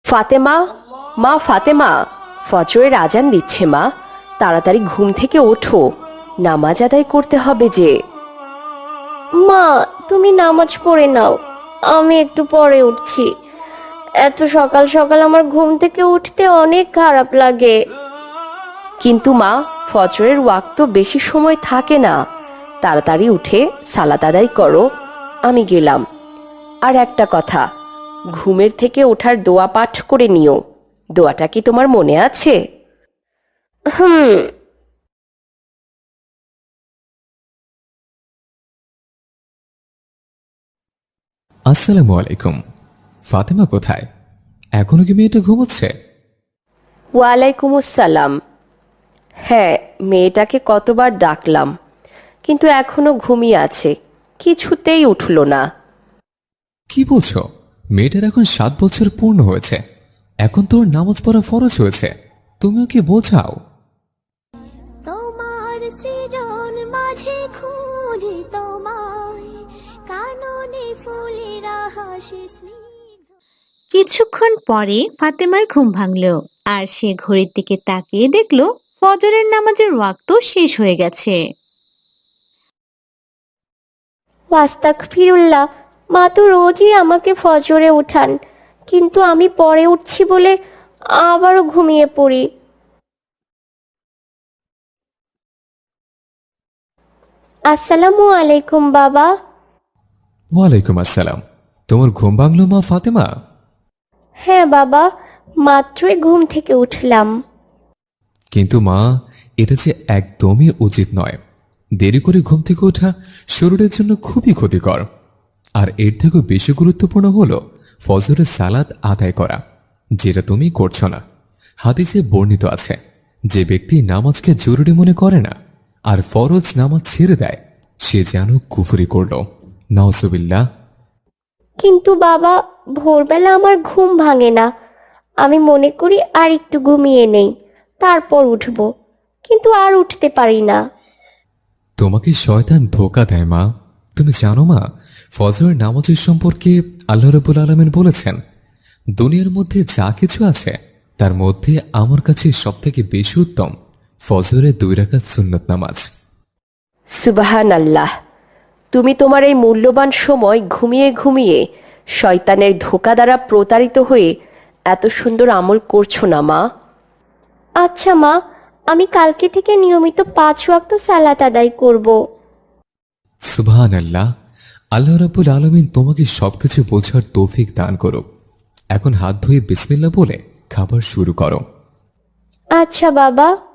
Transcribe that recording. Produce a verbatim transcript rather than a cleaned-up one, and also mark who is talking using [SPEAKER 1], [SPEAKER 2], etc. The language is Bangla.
[SPEAKER 1] ফাতেমা, মা ফাতেমা, ফজরের আজান দিচ্ছে মা, তাড়াতাড়ি ঘুম থেকে ওঠো, নামাজ আদায় করতে হবে যে।
[SPEAKER 2] মা, তুমি নামাজ পড়ে নাও, আমি একটু পরে উঠছি। এত সকাল সকাল আমার ঘুম থেকে উঠতে অনেক খারাপ লাগে।
[SPEAKER 1] কিন্তু মা, ফজরের ওয়াক্ত বেশি সময় থাকে না, তাড়াতাড়ি উঠে সালাত আদায় করো, আমি গেলাম। আর একটা কথা, ঘুমের থেকে ওঠার দোয়া পাঠ করে নিও, দোয়াটা কি তোমার মনে আছে?
[SPEAKER 2] হুম।
[SPEAKER 3] আসসালামু আলাইকুম। ফাতেমা কোথায়? এখনো কি মেয়েটা ঘুমোচ্ছে?
[SPEAKER 1] ওয়ালাইকুম আসসালাম। হ্যাঁ, মেয়েটাকে কতবার ডাকলাম, কিন্তু এখনো ঘুমিয়ে আছে, কিছুতেই উঠল না।
[SPEAKER 3] কি বলছো? মেয়েটার এখন সাত বছর পূর্ণ হয়েছে, এখন তোর নামাজ পড়া ফরজ হয়েছে, তুমিও কি বোঝাও?
[SPEAKER 4] তোমার সৃজন মাঝে খুঁজি তোমায়, কাননে ফুলেরা হাসি স্নিগ্ধ।
[SPEAKER 5] কিছুক্ষণ পরে ফাতেমার ঘুম ভাঙল, আর সে ঘড়ির দিকে তাকিয়ে দেখল ফজরের নামাজের ওয়াক্ত শেষ হয়ে গেছে।
[SPEAKER 2] আস্তাগফিরুল্লাহ, মা তো রোজই আমাকে ফজরে উঠান, কিন্তু আমি পরে উঠছি বলে আবারও ঘুমিয়ে পড়ি। আসসালামু আলাইকুম বাবা।
[SPEAKER 3] ওয়ালাইকুম আসসালাম। তোমার ঘুম ভাঙলো মা ফাতেমা?
[SPEAKER 2] হ্যাঁ বাবা, মাত্রই ঘুম থেকে উঠলাম।
[SPEAKER 3] কিন্তু মা, এটা যে একদমই উচিত নয়। দেরি করে ঘুম থেকে ওঠা শরীরের জন্য খুবই ক্ষতিকর। আর এর থেকেও বেশি গুরুত্বপূর্ণ হলো ফজরের সালাত আদায় করা, যেটা তুমি করছো না। হাদিসে বর্ণিত আছে, যে ব্যক্তি নামাজকে জরুরি মনে করে না আর ফরজ নামাজ ছেড়ে দেয়, সে যেন কুফরি করল। নাউজুবিল্লাহ।
[SPEAKER 2] কিন্তু বাবা, ভোরবেলা আমার ঘুম ভাঙে না, আমি মনে করি আর একটু ঘুমিয়ে নেই, তারপর উঠব, কিন্তু আর উঠতে পারি না।
[SPEAKER 3] তোমাকে শয়তান ধোকা দেয় মা। তুমি জানো মা, ফজরের নামাজের সম্পর্কে আল্লাহ রাব্বুল আলামিন বলেছেন, দুনিয়ার মধ্যে যা কিছু আছে তার মধ্যে আমার কাছে সবথেকে বেশি উত্তম ফজরের দুই রাকাত সুন্নত নামাজ।
[SPEAKER 1] সুবহান আল্লাহ, তুমি তোমার এই মূল্যবান সময় ঘুমিয়ে ঘুমিয়ে শয়তানের ধোকা দ্বারা প্রতারিত হয়ে এত সুন্দর আমল করছো না মা।
[SPEAKER 2] আচ্ছা মা, আমি কালকে থেকে নিয়মিত পাঁচ ওয়াক্ত সালাত আদায় করব।
[SPEAKER 3] সুবহানাল্লাহ। আল্লাহ রাব্বুল আলামিন তোমাকে সবকিছু বোঝার তৌফিক দান করুক। এখন হাত ধুয়ে বিসমিল্লাহ বলে খাবার শুরু করো।
[SPEAKER 2] আচ্ছা বাবা।